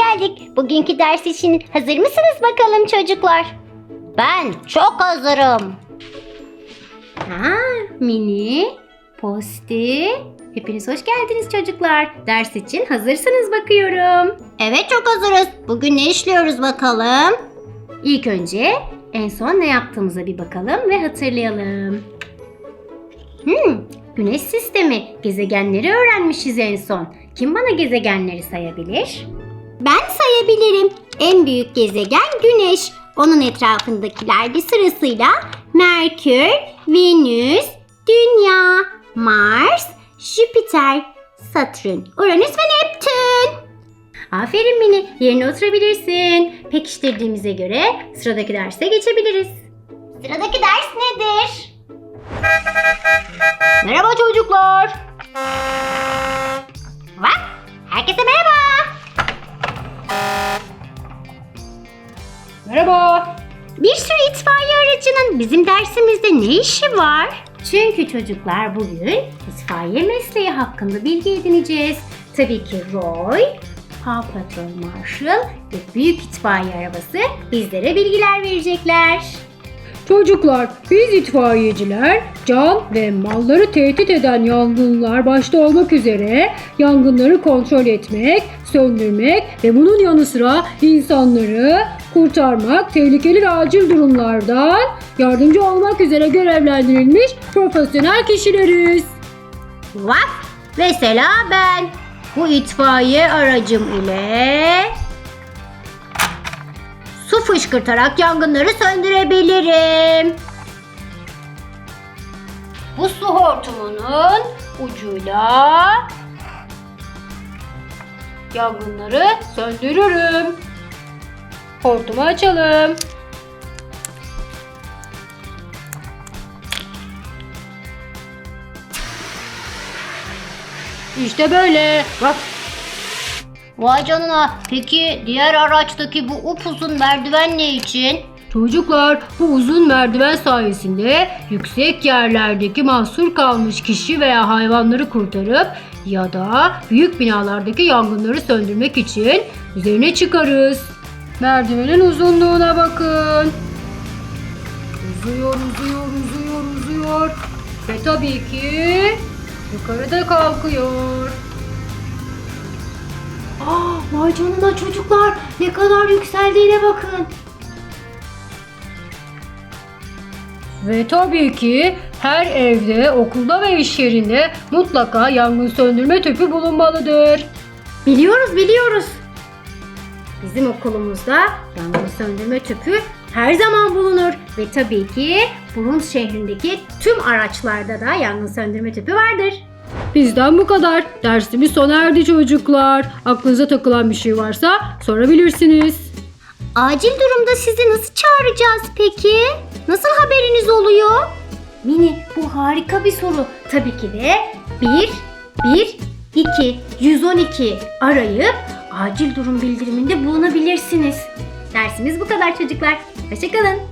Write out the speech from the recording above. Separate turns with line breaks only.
geldik. Bugünkü ders için hazır mısınız bakalım çocuklar? Ben çok hazırım. Mini, Posti. Hepiniz hoş geldiniz çocuklar. Ders için hazırsınız bakıyorum. Evet, çok hazırız. Bugün ne işliyoruz bakalım? İlk önce en son ne yaptığımıza bir bakalım ve hatırlayalım. Güneş sistemi, gezegenleri öğrenmişiz en son. Kim bana gezegenleri sayabilir? Ben sayabilirim. En büyük gezegen Güneş. Onun etrafındakiler de sırasıyla Merkür, Venüs, Dünya, Mars, Jüpiter, Satürn, Uranüs ve Neptün. Aferin Mini, yerine oturabilirsin. Pekiştirdiğimize göre sıradaki derse geçebiliriz. Sıradaki ders nedir? Merhaba çocuklar. Bak, herkese merhaba.
Merhaba.
Bir sürü itfaiye aracının bizim dersimizde ne işi var? Çünkü çocuklar bugün itfaiye mesleği hakkında bilgi edineceğiz. Tabii ki Roy, Paw Patrol Marshall ve büyük itfaiye arabası bizlere bilgiler verecekler.
Çocuklar, biz itfaiyeciler can ve malları tehdit eden yangınlar başta olmak üzere yangınları kontrol etmek, söndürmek ve bunun yanı sıra insanları kurtarmak, tehlikeli ve acil durumlardan yardımcı olmak üzere görevlendirilmiş profesyonel kişileriz.
Vak! Mesela ben bu itfaiye aracım ile su fışkırtarak yangınları söndürebilirim. Bu su hortumunun ucuyla
Yangınları söndürürüm. Hortumu açalım. İşte böyle. Bak.
Vay canına. Peki diğer araçtaki bu upuzun merdiven ne için?
Çocuklar, bu uzun merdiven sayesinde yüksek yerlerdeki mahsur kalmış kişi veya hayvanları kurtarıp ya da büyük binalardaki yangınları söndürmek için üzerine çıkarız. Merdivenin uzunluğuna bakın. Uzuyor, uzuyor, uzuyor, uzuyor. Ve tabii ki yukarıda kalkıyor.
Vay canına çocuklar. Ne kadar yükseldiğine bakın.
Ve tabii ki her evde, okulda ve iş yerinde mutlaka yangın söndürme tüpü bulunmalıdır.
Biliyoruz. Bizim okulumuzda yangın söndürme tüpü her zaman bulunur. Ve tabii ki Burun şehrindeki tüm araçlarda da yangın söndürme tüpü vardır.
Bizden bu kadar. Dersimiz sona erdi çocuklar. Aklınıza takılan bir şey varsa sorabilirsiniz.
Acil durumda sizi nasıl çağıracağız peki? Nasıl haberiniz oluyor? Mini, bu harika bir soru. Tabii ki de 112 arayıp acil durum bildiriminde bulunabilirsiniz. Dersimiz bu kadar çocuklar. Hoşça kalın.